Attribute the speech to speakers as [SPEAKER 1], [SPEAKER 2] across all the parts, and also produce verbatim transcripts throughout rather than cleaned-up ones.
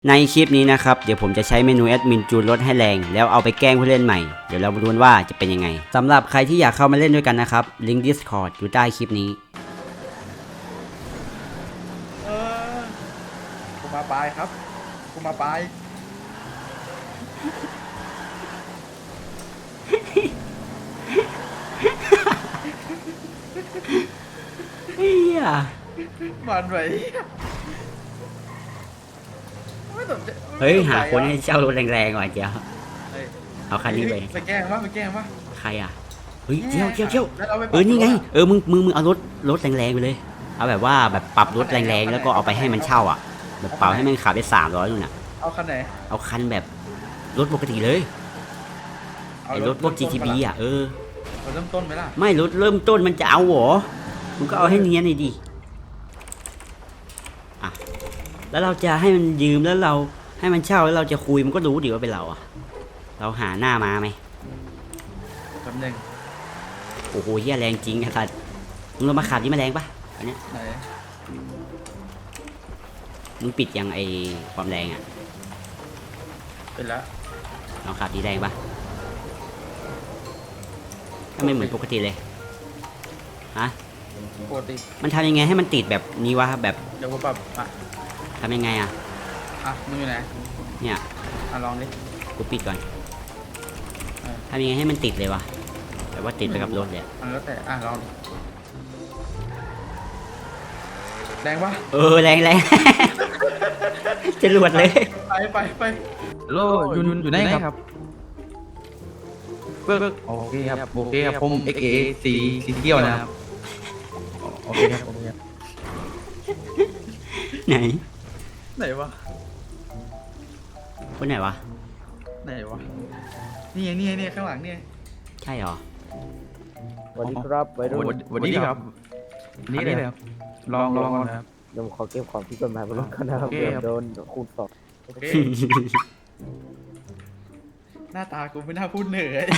[SPEAKER 1] ในคลิปนี้นะครับเดี๋ยวผมจะใช้เมนูแอดมินจูนรถให้แรงแล้วเอาไปแกล้งผู้เล่นใหม่เดี๋ยวเรามาดูว่าจะเป็นยังไงสำหรับใครที่อยากเข้ามาเล่นด้วยกันนะครับลิงก์ Discord อยู่ใต้คลิปนี้
[SPEAKER 2] เออกูมาปลายครับกูมาปลาย
[SPEAKER 1] เฮีย
[SPEAKER 2] มันไหวไม่สนใจ
[SPEAKER 1] เฮ้ยหาคนให้เช่ารถแรงๆก่อนเจียว
[SPEAKER 2] เฮ้ย
[SPEAKER 1] เอาคันนี้ไป
[SPEAKER 2] ไปแกล้งวะไปแกล้งวะ
[SPEAKER 1] ใครอ่ะเฮ้ยเจียวเจียวเจียว
[SPEAKER 2] แล้วาไปป
[SPEAKER 1] เอ
[SPEAKER 2] รับ
[SPEAKER 1] อนี่ไงเออมึงมึงมึงเอารถรถแรงๆไปเลยเอาแบบว่าแบบปรับรถแรงๆแล้วก็เอาไปให้มันเช่าอ่ะแบบเป่าให้มันขับได้สามร้อยนู่นน่ะ
[SPEAKER 2] เอาคันไหน
[SPEAKER 1] เอาคันแบบรถปกติเลย
[SPEAKER 2] เอา
[SPEAKER 1] ไอ้รถพวก จี ที บี อ่ะเออ
[SPEAKER 2] เราเริ่มต้นไหมล่ะ
[SPEAKER 1] ไม่รถเริ่มต้นมันจะเอาเหรอมึงก็เอาให้เนียนหน่อยดิอ่ะแล้วเราจะให้มันยืมแล้วเราให้มันเช่าแล้วเราจะคุยมันก็รู้ดิว่าเป็นเราอ่ะเราหาหน้ามาไหม
[SPEAKER 2] จำหนึ่ง
[SPEAKER 1] โอ้โหเฮียแรงจริงไอ้สัสมึงลงมาขับนี่มาแรงปะอันเนี้ย
[SPEAKER 2] ไหน
[SPEAKER 1] มึงปิดยังไอความแรงอ่ะ
[SPEAKER 2] เป็นแล้ว
[SPEAKER 1] ลองขับดีแรงปะถ้าไม่เหมือนปกติเลยฮะ
[SPEAKER 2] ปกติ
[SPEAKER 1] มันทำยังไงให้มันติดแบบนี้วะแบบ
[SPEAKER 2] เดี๋ยวกูปรับอ่ะ
[SPEAKER 1] ทำยังไงอ่ะ
[SPEAKER 2] อ่ะมึงอยู่ไหน
[SPEAKER 1] เนี่ย
[SPEAKER 2] อ่ะลองดิ
[SPEAKER 1] กูปิดก่อน
[SPEAKER 2] เออ
[SPEAKER 1] ทำยังไงให้มันติดเลยวะแบบว่าติดไปกับรถเลยอะ
[SPEAKER 2] มันแล้วแต่อ่ะลองดิแรงปะ
[SPEAKER 1] เออแรงแรง จะรวดเลย
[SPEAKER 2] ไปไปไป
[SPEAKER 3] โลยุนยุนอยู่ไหนครับเบิกโอเคครับโอเคครับผม เอ็ก เอ สีสีเขียวนะครับโอเคครับโอเคครับ
[SPEAKER 1] ไหน
[SPEAKER 2] ไหนวะ
[SPEAKER 1] คนไหนวะ
[SPEAKER 2] ไหนวะนี่ไงนี่ไงนี่ไงข้างหลังนี่ไง
[SPEAKER 1] ใช่หรอ
[SPEAKER 4] สวัสดีครับวัยรุ่น
[SPEAKER 3] สวัสดีครับนี่เลยครับลองลองนะครับ
[SPEAKER 4] เดี๋ยวผมขอเก็บของที่กฎหมายบนรถกันนะครับ
[SPEAKER 3] โอเค
[SPEAKER 4] เดี๋ย
[SPEAKER 3] ครั
[SPEAKER 4] ว
[SPEAKER 3] บ
[SPEAKER 4] โดนคูณสอง
[SPEAKER 2] โอเค หน้าตากูไม่น่าพูดเหนื่อย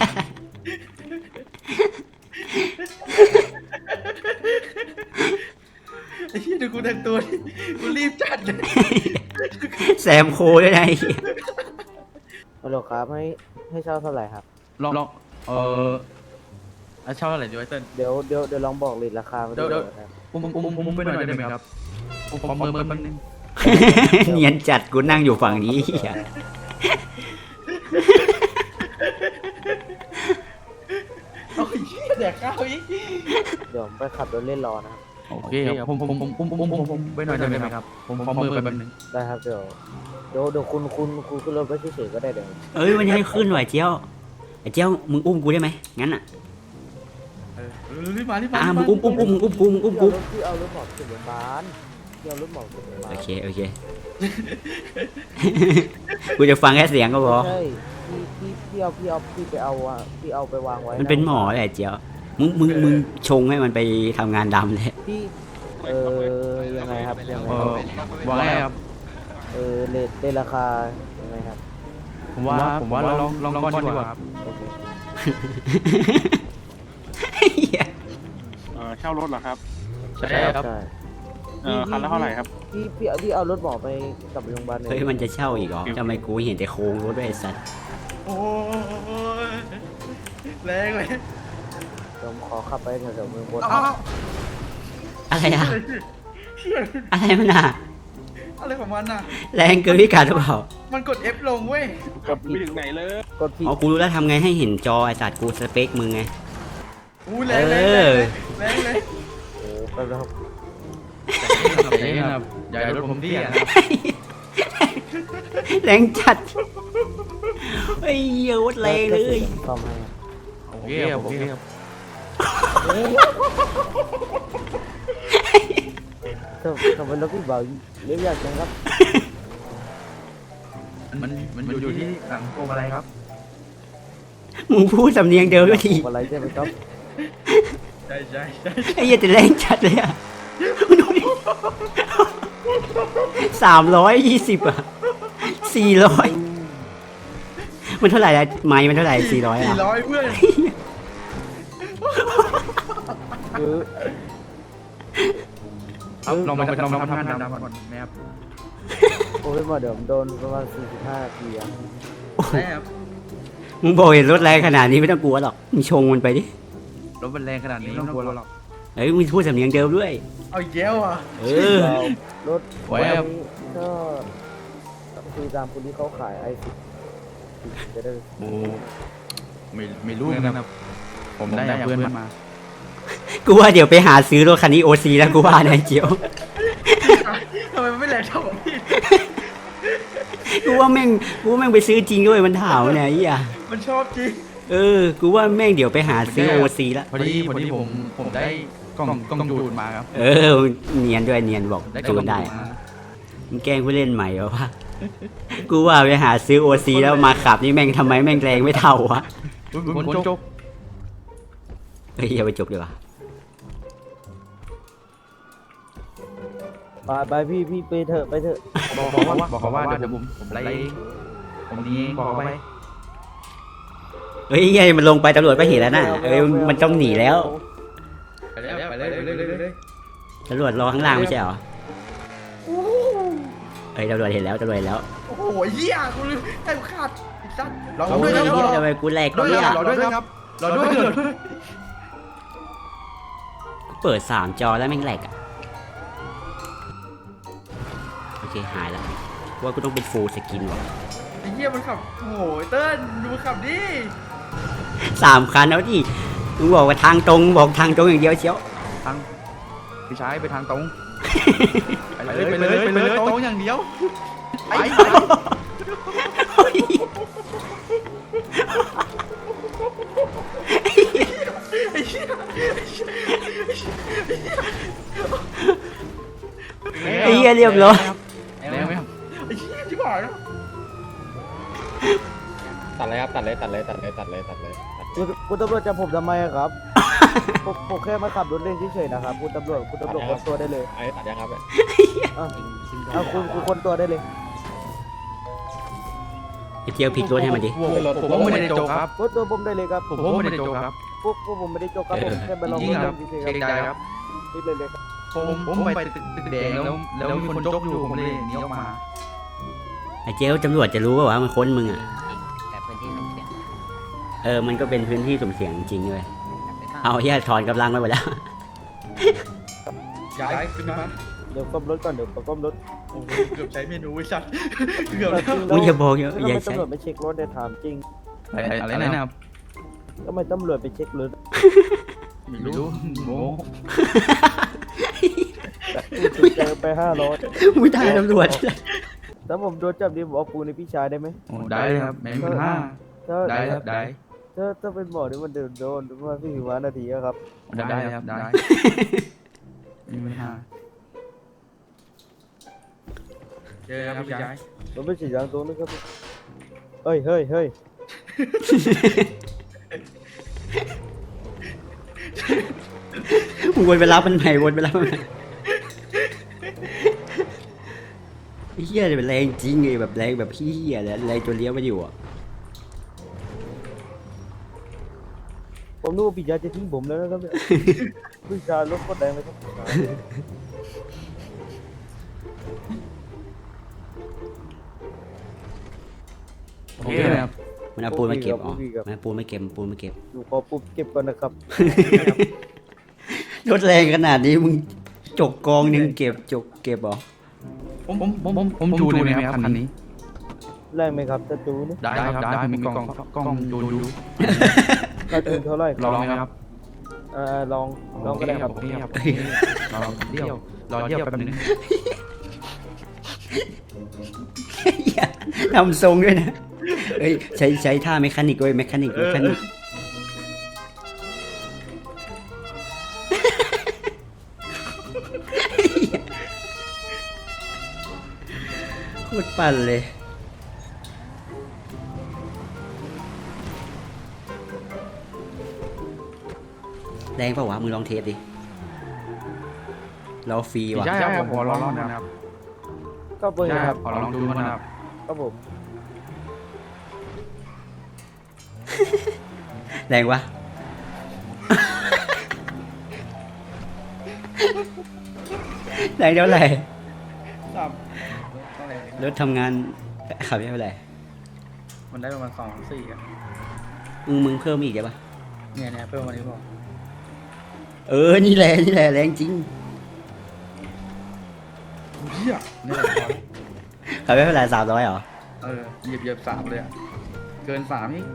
[SPEAKER 2] ไอ้เหี้ยดูกูแต่งตัวดิกูรีบจัดเลย
[SPEAKER 1] แซมโคด้วยนะไอ้เหี้ย
[SPEAKER 4] ฮัลโหลครับให้ให้เช่าเท่าไหร่ครับ
[SPEAKER 3] ลองลองเอออ่ะเช่าเท่าไหร่ดีวะเติ้ล
[SPEAKER 4] เดี๋ยวเดี๋ยวเดี๋ยวลองบอกเลทราคามา
[SPEAKER 3] เดี๋ยวเดี๋ยว
[SPEAKER 4] ครับ
[SPEAKER 3] ผมผมผมผมไปหน่อยได้ไหมครับผมขอมือมือแป๊บนึง
[SPEAKER 1] เนียนจัดกูนั่งอยู่ฝั่งนี้เหี้ย
[SPEAKER 2] โอ้ยเหี้ยแดกข้าวอีก
[SPEAKER 4] เดี๋ยวผมไปขับรถเล่นรอนะครับ
[SPEAKER 3] โอเคครับผมผมผมผมผมผมผมไปหน่อยได้ไหมครับผมขอมือไปแป๊บนึง
[SPEAKER 4] ได้ครับเดี๋ยวเดี๋ยวเดี๋ยวคุณคุณคุณขึ้นรถไปเฉยๆก็ได้เดี๋ยว
[SPEAKER 1] เอ้ยมันยังให้ขึ้นไหวเจียวไอ้เจียวมึงอุ้มกูได้ไหมงั้นอ่ะ
[SPEAKER 2] เออเออรีบมารีบมา
[SPEAKER 1] อ่ะ
[SPEAKER 2] รีบ
[SPEAKER 1] มึงอุ้มอุ้มอุ้มมึงอุ้มกูมึงอุ้มกู
[SPEAKER 4] พี่เอารถหมอบขึ้นโรงพยาบาลพี่เอารถหมอบขึ้นโรงพยาบาล
[SPEAKER 1] โอเคโอเค กูจะฟังแค่เสียงก็พอ
[SPEAKER 4] ใช่พี่พี่พี่เอาพี่เอาพี่ไปเอาอะพี่เอาไปวางไว้
[SPEAKER 1] มันเป็นหมอแหละเจียวมึงมึงมึงชงให้มันไปทำงานดำเลย
[SPEAKER 4] พี่เออยังไงครับยังไง
[SPEAKER 3] เอ
[SPEAKER 4] ครับ
[SPEAKER 3] อว่าไงครับ
[SPEAKER 4] เออเลทเลทราคายังไงครับ
[SPEAKER 3] ผมว่าผมว่าลองลองก่อนดีกว่าครับ
[SPEAKER 4] โอเค
[SPEAKER 1] เหี้ย
[SPEAKER 5] เออเช่ารถเหรอครับ
[SPEAKER 3] ใช่ครับ
[SPEAKER 4] ใช่
[SPEAKER 5] เออคันละเท่าไหร่ครับ
[SPEAKER 4] พี่พี่พี่เอารถหมอไปกลับโรงพยาบาลหน่อย
[SPEAKER 1] เฮ้ยมันจะเช่าอีกเหรอทำไมกูเห็นแต่โค้งรถด้วยไอ้สัส
[SPEAKER 2] โอ้ยแรงเลย
[SPEAKER 4] เดี๋ยวผมขอขับไปแถวๆเมืองบน
[SPEAKER 2] เอาเอา
[SPEAKER 1] อะไรอะอะไรมันอะ
[SPEAKER 2] อะไรของมันน่ะ
[SPEAKER 1] แรงเกินพิกัดหรือเปล่า
[SPEAKER 2] มันกด F ลงเว้ย
[SPEAKER 4] กด
[SPEAKER 5] ไม่
[SPEAKER 4] ผิด
[SPEAKER 5] ถึงไหนเลย
[SPEAKER 4] กดผิด
[SPEAKER 1] อ๋อกูรู้แล้วทำไงให้เห็นจอไอ้สัตว์กูสเปคมึงไง
[SPEAKER 2] อู้แรงแรง
[SPEAKER 1] เอ
[SPEAKER 2] แร
[SPEAKER 1] อ
[SPEAKER 2] งแรงเลย
[SPEAKER 4] โอ้แป๊บนะครับ
[SPEAKER 3] อย่าอย่าอย่ารถผมที่อ่ะ
[SPEAKER 1] แรงจัดไอ้เหี้ยวัดแรงเลย
[SPEAKER 4] ซ่อมให้ครับ
[SPEAKER 3] โอเคครับโอเคครับ
[SPEAKER 4] ทำทำไมรถพี่เบาเรียบยากจังครับ
[SPEAKER 3] มันมันอยู่ที่หลังโกงอะไรครับ
[SPEAKER 1] มึงพูดสำเนียงเดิมก็ที
[SPEAKER 4] อะไรใช่ไหมครับ
[SPEAKER 2] ใช่ใช่ใช่
[SPEAKER 1] ไอ้เหี้ยแต่แรงจัดเลยอะมึงดูดิสามร้อยยี่สิบอะสี่ร้อยมันเท่าไหร่ละไม้มันเท่าไหร่สี่ร้อย
[SPEAKER 2] สี่
[SPEAKER 1] อะ
[SPEAKER 2] ร้อยเพื่อน
[SPEAKER 4] คือ
[SPEAKER 3] ครับลองมาลองมาทำงานดำก่อนไหมครับ
[SPEAKER 4] อ้พี่หมอเดี๋ยวผมโดนประมาณสี่สิบห้านาทีอะ
[SPEAKER 3] ได้ครับ
[SPEAKER 1] มึงบอกเห็นรถแรงขนาดนี้ไม่ต้องกลัวหรอกมึงชงมันไปดิ
[SPEAKER 3] รถมันแรงขนาดนี้ไม่ต้องกลัวหรอก
[SPEAKER 1] เอ้ยมึงพูดสำเนียงเดิมด้วย
[SPEAKER 2] เอาอีกแล้วอ่ะ
[SPEAKER 1] เออ
[SPEAKER 4] รถ
[SPEAKER 3] ไว้ครับ
[SPEAKER 4] ก็คือตามคนที่เขาขายไอซิจะได้
[SPEAKER 3] โอ้ไม่ไม่รู้นะครับผมได้จากเพื่อนมา
[SPEAKER 1] กูว่าเดี๋ยวไปหาซื้อรถคันนี้โอซีแล้วกูว่านะเจียว
[SPEAKER 2] ทำไมมันไม่แรงเท่าของพี่
[SPEAKER 1] กูว่าแม่งกูว่าแม่งไปซื้อจริงด้วยมันถามเนี่ยไอ้เหี้ย
[SPEAKER 2] มันชอบจริง
[SPEAKER 1] เออกูว่าแม่งเดี๋ยวไปหาซื้อโอซีละ
[SPEAKER 3] พอดีพอดีผมผมได้กล้องกล้องจูนมาครับ
[SPEAKER 1] เออเนียนด้วยเนียนบอก
[SPEAKER 3] ได้กล้
[SPEAKER 1] จู
[SPEAKER 3] อง
[SPEAKER 1] นได้
[SPEAKER 3] จูนมา
[SPEAKER 1] มึงแกล้งผู้เล่นใหม่เหรอวะ กูว่าไปหาซื้อโอซีแล้วมาขับนี่แม่งทำไมแม่งแรงไม่เท่าวะ
[SPEAKER 3] คนจก
[SPEAKER 1] เฮ้ยอย่าไปจบดีกว่า
[SPEAKER 4] ไปไปพี่พี่ไปเถอะไปเถอะ
[SPEAKER 3] บอกบอกว่าบอกเขาว่าเดี๋ยวผมผมไล่เองผมนี้บอกเขาไป
[SPEAKER 1] เฮ้ยไงมันลงไปตำรวจก็เห็นแล้วน่ะเอ้ยมันต้องหนีแล้ว
[SPEAKER 3] ไปเลยไปเลยไปเลยไปเลย
[SPEAKER 1] ตำรวจรอข้างล่างไม่ใช่เหรอเฮ้ยตำรวจเห็นแล้วตำรวจเห็นแล้ว
[SPEAKER 2] โอ้โหเหี้ยกูลืมให้กูขาดไอ้สัตว์รอ
[SPEAKER 1] โอ้
[SPEAKER 2] ด้วย
[SPEAKER 1] ย
[SPEAKER 2] นะรอ
[SPEAKER 1] เหี้ยทำไมกูแหลก
[SPEAKER 2] ด้วย
[SPEAKER 1] เนี่ย
[SPEAKER 2] รอด้วยครับรอด้วยรอด้วย
[SPEAKER 1] กูเปิดสามจอแล้วแม่งแหลกอ่ะโอเคหายแล้วว่ากูต้องเป็นฟูลสกินว่ะ
[SPEAKER 2] ไอ้เหี้ยมันขับโอ้โหเติ้ลดูมันขับดิ
[SPEAKER 1] สามคันแล้วดิมึงบอกว่าทางตรงบอกทางตรงอย่างเดียวเชียว
[SPEAKER 3] ทางพี่ชายไปทางตรงไปเลยไปเลยไปเลยตรงอย่างเดียวไปไป
[SPEAKER 1] ไอ้เหี้ยเรียบร้อย
[SPEAKER 3] แรงไหมครับ
[SPEAKER 2] ไอ้เหี้ยที่บอกนะ
[SPEAKER 6] ตัดเลยครับตัดเลยตัดเลยตัดเลยตัดเลยตัดเลยตัดเลย
[SPEAKER 4] คุณคุณตำรวจจับผมทำไมอะครับ ผมผมแค่มาขับรถเล่นเฉยๆนะครับคุณตำรวจคุณตำรวจคนตัวได้เลย
[SPEAKER 6] ไอ้ตัดยังครับ
[SPEAKER 4] อ่ะเอาคุณคุณคนตัวได้เลย
[SPEAKER 1] ไอ้เจียวพลิกรถให้มันดิ
[SPEAKER 3] ผมผมไม่ได้โจกครับ
[SPEAKER 4] คนตัวผมได้เลยครับ
[SPEAKER 3] ผมผมไม่ได้โจกครับ
[SPEAKER 4] พวกพวกผมไม่ได้โจกครับผมแค่ไปลอง
[SPEAKER 3] จริ
[SPEAKER 4] ร
[SPEAKER 3] ง
[SPEAKER 4] ถ
[SPEAKER 3] ครั
[SPEAKER 4] เล่
[SPEAKER 3] บ
[SPEAKER 4] นเฉยๆ
[SPEAKER 3] เกรงใจครับ
[SPEAKER 4] รีบเลยเลยครับ
[SPEAKER 3] ผมผมไปตึกตึกแดงแล้วแล้วมีคนจกอยู่ผมเลยหนีออกมา
[SPEAKER 1] ไอ้เจียวตำรวจจะรู้ป่าวว่ามันค้นมึงอ่ะ
[SPEAKER 7] แต่พื้นที่สุ่มเสี่ยง
[SPEAKER 1] เออมันก็เป็นพื้นที่สุ่มเสี่ยงจริงๆเลยเอาเฮียถอนกำลังไปหมดแล้ว
[SPEAKER 2] ย้ายขึ้นมา
[SPEAKER 4] เดี๋ยวก้มรถก่อนเดี๋ยวก้มรถ
[SPEAKER 2] โอ้โหเกือบใช้เมนูไอ้สัตว์เกือบ
[SPEAKER 4] แต่
[SPEAKER 2] แล้ว
[SPEAKER 4] จริง
[SPEAKER 1] มึงอย่าบอก
[SPEAKER 4] แล้ว
[SPEAKER 1] อย่า
[SPEAKER 4] ทำไม
[SPEAKER 1] ใช้
[SPEAKER 4] ตำรวจไม่เช็ครถเนี่ยถามจริง
[SPEAKER 3] อะไรอะไรนะครับ
[SPEAKER 4] ทำไมตำรวจไปเช็ครถ
[SPEAKER 3] ไม่รู้โม
[SPEAKER 4] เจอไปห้าร้อย
[SPEAKER 1] ไม่ได้ตำรวจ
[SPEAKER 4] ถ้าผมโดนจับดีผมเอาปูนในพี่ชายได้ไหม
[SPEAKER 3] ได้ครับแม่เป็นห้า
[SPEAKER 4] ถ้า
[SPEAKER 3] ได้ครับได้
[SPEAKER 4] ถ้าถ้าเป็นหมอนี่มันโดนโดนประมาณสี่สิบนาทีอะครับ
[SPEAKER 3] ได้ครับได้มีปัญหาเจอครับพี่ชาย
[SPEAKER 4] มันไม่ใช่ยางตรงนะครับเฮ้ยเฮ้ยเฮ้ย
[SPEAKER 1] มึงวนไปรับมันใหม่วนไปรับมันใหม่ไอ้เฮียเนี่ยเป็นแรงจริงไงแบบแรงแบบเฮียเลยแรงจนเลี้ยวไม่อยู่อ่ะ
[SPEAKER 4] ผมนึกว่าพี่ชายจะทิ้งผมแล้วนะครับเนี่ยพี่ชายรถก็แดงเลยครับ
[SPEAKER 3] โอเคครับ
[SPEAKER 1] มันเอาปูนมาเก็บอ๋อมันเอาปูนมาเก็บปูนมาเก็บ
[SPEAKER 4] อยู่ขอปุ๊บเก็บก่อนนะครับ
[SPEAKER 1] รถแรงขนาดนี้มึงจกกองหนึงเก็บจกเก็บเหรอ
[SPEAKER 3] ผมผมผมผมผมจูนได้ไหมครับคันนี้
[SPEAKER 4] แรงไหมครับจะจูน
[SPEAKER 3] ได้ครับได้ผมมีกล้องกล้องจูนดู
[SPEAKER 4] ถ้าจูนเท่าไหร่
[SPEAKER 3] ลองไหมครับ
[SPEAKER 4] อ่าลองลองก็ได้ครับ
[SPEAKER 3] โอเคครับรอเดี่ยวรอเดี่ยวแป๊บนึง
[SPEAKER 1] เหี้ยทำทรงด้วยนะเอ้ยใช้ใช้ท่าเมคานิกด้วยเมคานิกเมคานิกโคตรปั่นเลยแรงเปล่าวะมึงลองเทสดิเราฟรีว่ะ
[SPEAKER 3] ใช่ครับขอลองนะครับ
[SPEAKER 4] ก็เบอร์
[SPEAKER 3] ใช่
[SPEAKER 4] ค
[SPEAKER 3] ค
[SPEAKER 4] รั
[SPEAKER 3] รั
[SPEAKER 4] บบ
[SPEAKER 3] ขอลองดูมันนะครับ
[SPEAKER 4] ครับผม
[SPEAKER 1] แรงวะ แรงเท่าไหร่
[SPEAKER 2] สามสต้องแรง
[SPEAKER 1] รถทำงานขับไม่เป็นไร
[SPEAKER 2] มันได้ประมาณสองสี่อะ
[SPEAKER 1] มึงมึงเพิ่มอีกได้ปะ
[SPEAKER 2] เนี่ยเนี่ยเพิ่มมานี้บอก
[SPEAKER 1] เออนี่แหละนี่แหละแรงจริง
[SPEAKER 2] เฮียนี่แหละพอ
[SPEAKER 1] ขับไม่เป็นไรสามร้อยเหรอ
[SPEAKER 2] เออเหยียบเหยียบสามเลยอะเกินสามนี่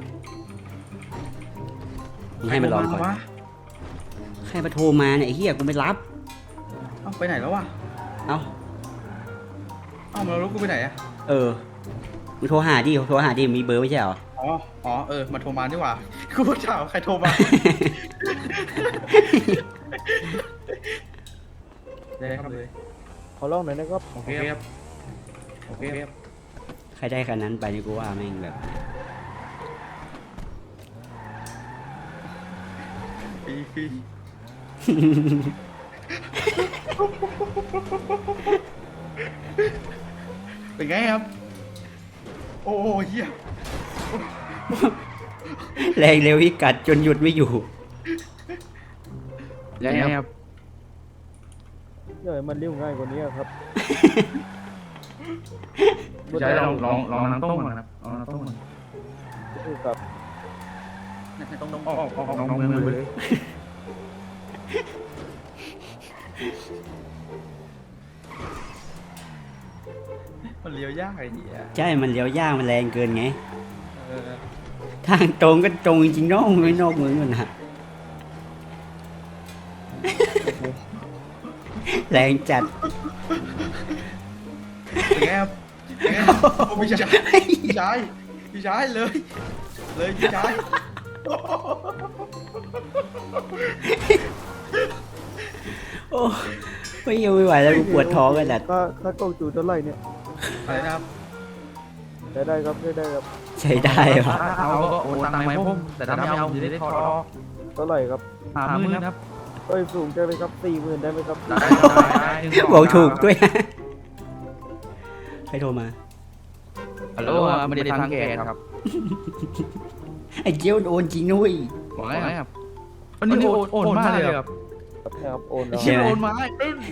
[SPEAKER 1] มึงให้มันลองก่อน
[SPEAKER 2] วะ
[SPEAKER 1] ใครมาโทรมาเนี่ยไอ้เฮียกูไม่รับ
[SPEAKER 2] เอ้าไปไหนแล้ววะ
[SPEAKER 1] เอ้า
[SPEAKER 2] เอ้ามาแล้วกูไปไหนอะ
[SPEAKER 1] เออมึงโทรหาดิโทรหาดิมีเบอร์ไม่ใช่เหรอ
[SPEAKER 2] อ๋ออ๋อเออมาโทรมาดีกว่ากูก็ถามใครโทรมาได้ครับเลย
[SPEAKER 4] ขอลองหน่อยนะครับ
[SPEAKER 2] โอเคครับโอเคครับ
[SPEAKER 1] ใครได้คันนั้นไปนี่กูว่าแม่งแบบ
[SPEAKER 2] ฟรีฟรีเป็นไงครับ โอ้เหี้ย
[SPEAKER 1] แรงเร็วที่กัดจนหยุดไม่อยู่
[SPEAKER 3] ยังไงครับ
[SPEAKER 4] เดี๋ยวให้มันเลี้ยวง่ายกว่านี้ครับ
[SPEAKER 3] พี่ชายลองลองลองน้ำต้มก่อนครับลองน้ำต้มก่อน
[SPEAKER 4] คือกับ
[SPEAKER 2] ต้องต้อง
[SPEAKER 3] ออกออกออกน้องเมืองไปเลย
[SPEAKER 2] มันเลี้ยวยากไอ้เหี้ย
[SPEAKER 1] ใช่มันเลี้ยวยากมันแรงเกินไง
[SPEAKER 2] เออ
[SPEAKER 1] ทางตรงก็ตรงจริงๆนอกไม่นอกเมืองมันนะแรงจัด
[SPEAKER 2] เป็นไงครับเป็นไงครับโอ้พี่ชายพี่ชายพี่ชายเลย เลยพี่ชาย
[SPEAKER 1] โอ้ไม่ยังไม่ไหวแล้วกูปวดท้องกันแหละ
[SPEAKER 4] ค่าค่ากล้องจูเท่าไหร่เนี่ย
[SPEAKER 2] อะไรนะครับ
[SPEAKER 4] ได้ได้ครับได้ได้ครับ
[SPEAKER 1] ใช้ได้ปะ
[SPEAKER 3] ถ้าเอาก็โอนตังค์มาให้ผมแต่ถ้าไม่เอาจะได้ถอดออก
[SPEAKER 4] เท่าไหร่ครับ
[SPEAKER 3] หาหมื่นครับ
[SPEAKER 4] เอ้ยสูงจังเลยครับสี่หมื่นได้ไหมครับ
[SPEAKER 3] ได้ได้ได้
[SPEAKER 1] บอกถูกด้วยนะใครโทรมา
[SPEAKER 3] ฮัลโหลไม่ได้ทางแกนครับ
[SPEAKER 1] ไอ้เจียวโอนจริงนุ้ย
[SPEAKER 3] บอกไงครับวันนี้โอนโอนมากเลยครับ
[SPEAKER 4] ครับครับโอนแล้ว
[SPEAKER 1] ใช่ไหม
[SPEAKER 3] โอนมาเอ้ย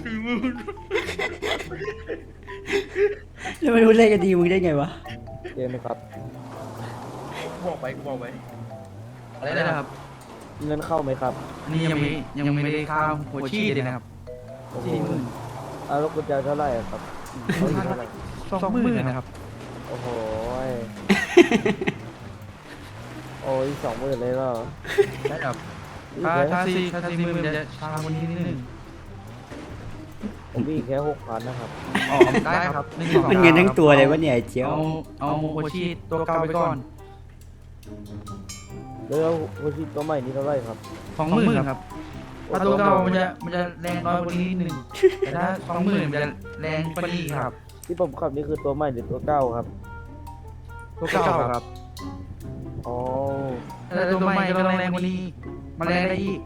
[SPEAKER 1] แล้วไม่รู้เล่นกันดีมึงได้ไงวะ
[SPEAKER 4] เจนนะครับ
[SPEAKER 2] บอกไปกูบอกไป
[SPEAKER 3] อะไรนะครับ
[SPEAKER 4] เงินเข้าไหมครับ
[SPEAKER 3] นี่ยังไม่ยังไม่ได้ข้าวหัวชี้เลยนะครับ
[SPEAKER 4] โอ้โหอ่ะแล้วกุญแจเท่าไหร่อะครับเขาอยู่เท่าไหร่
[SPEAKER 3] สองหมื่นนะครับ
[SPEAKER 4] โอ้โหยโอ้ยสองหมื่นเลยเหรอ
[SPEAKER 3] ได้ครับถ้าถ้าสี่ถ้าสี่หมื่นมันจะช้าคนนี้นิดนึง
[SPEAKER 4] ผมมีแค่หกพันนะครับ
[SPEAKER 3] อ๋อได้ครับ
[SPEAKER 1] มันเงินทั้งตัวเลยวะเนี่ยไอ้เจียว
[SPEAKER 3] เอาเอาหัวชี้ตัวเก่าไปก่อน
[SPEAKER 4] แล้วโฮชิตัวใหม่นี่เท่าไหร่ครับ
[SPEAKER 3] สองหมื่นครับถ้าตัวเก่ามันจะมันจะแรงน้อยกว่านี้นิดนึงแต่ถ้าสองหมื่นมันจะแรงกว่านี้ครับ
[SPEAKER 4] ที่ผมขับนี่คือตัวใหม่หรือตัวเก่าครับ
[SPEAKER 3] ตัวเก่าครับ
[SPEAKER 4] อ๋อ
[SPEAKER 3] แต่ตัวใหม่ก็ต้องแรงกว่านี้มันแรงได้อีก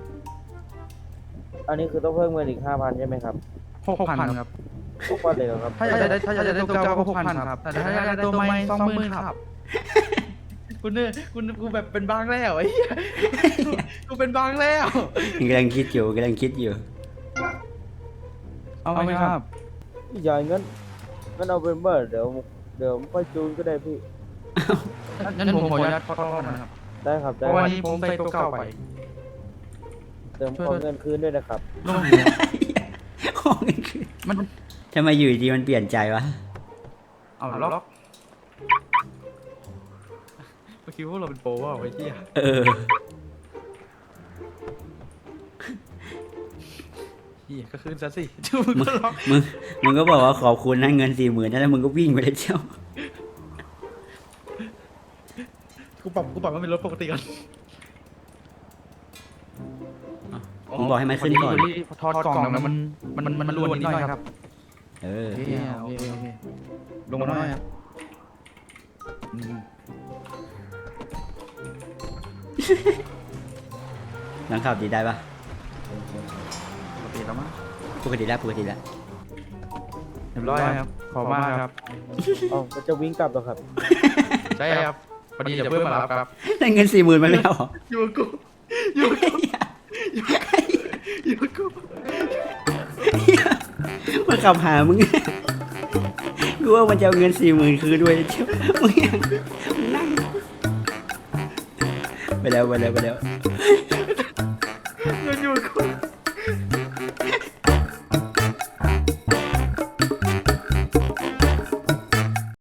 [SPEAKER 4] อันนี้คือต้องเพิ่มเงินอีกห้าพันใช่ไหมครับ
[SPEAKER 3] หกพันครับ
[SPEAKER 4] หกพันเลยเหรอครับ
[SPEAKER 3] ถ้าอยากได้ถ้าอยากได้ตัวเก่าก็หกพันครับแต่ถ้าอยากได้ตัวใหม่สองหมื่นครับกูเนี่ยกูกูแบบเป็นบ้างแล้วไอ้เหี้ยกูเป็นบ้างแล้ว
[SPEAKER 1] กำลังคิดอยู่กำลังคิดอยู่
[SPEAKER 3] เอาไหมครับ
[SPEAKER 4] พี่ใหญ่งั้นงั้นเอาเป็นเบอร์เดี๋ยวเดี๋ยวค่อยจูนก็ได้พี่
[SPEAKER 3] งั้นผมขออนุญาตขอโทษนะครับ
[SPEAKER 4] ได้ครับ
[SPEAKER 3] เพ
[SPEAKER 4] ได้
[SPEAKER 3] ราะ
[SPEAKER 4] ค
[SPEAKER 3] ว่า
[SPEAKER 4] รับ
[SPEAKER 3] นี้ผมใส่ตัวเก่าไป
[SPEAKER 4] เติมขอเงินคืนด้วยนะครับ
[SPEAKER 3] ลง
[SPEAKER 1] ของเงินคืน
[SPEAKER 3] มัน
[SPEAKER 1] ทำไมอยู่ดีมันเปลี่ยนใจวะ
[SPEAKER 3] เอาล็อกเมื่อกี้พวกเราเป็นโปรว่าไอ้เหี้ย
[SPEAKER 1] เออ
[SPEAKER 3] เหี้ยก็คืนซะสิจูมึงก็ล็อก
[SPEAKER 1] มึงมึงก็บอกว่าขอบคุณนะเงินสี่หมื่นนั่นแล้วมึงก็วิ่งไปเลยเจ้า
[SPEAKER 3] กูปรับกูปรับมันเป็นรถปกติก่อน
[SPEAKER 1] ผมบอกให้มันขึ้นก่อน
[SPEAKER 3] ถอดกล่องแล้วมันมันมันมันรวนนิดหน่อยครับ
[SPEAKER 1] เออ
[SPEAKER 3] โอเคโอเคโอเคลงมาหน่อยครับอืม
[SPEAKER 1] ลองขับดีได้ปะ
[SPEAKER 3] ปกติแล้วมั้ง
[SPEAKER 1] ปกติแล้วปกติแล้ว
[SPEAKER 3] เรียบร้อยครับขอบมากครับ
[SPEAKER 4] อ๋อมันจะวิ่งกลับเหรอครับ
[SPEAKER 3] ใช่ครับพอดีจะเพื่อนมารับครับ
[SPEAKER 1] ได้เงินสี่หมื่นมันไม่เอาเหรอ
[SPEAKER 3] อยู่กับกูอยู่กับกูอยู่กับกู
[SPEAKER 1] มันขับหามึง กูว่ามันจะเอาเงินสี่หมื่นคืนด้วยเจ้ามึงยังมึงนั่งไปแล้วไปแล้วไปแล้ว
[SPEAKER 3] เงินอยู่กับกู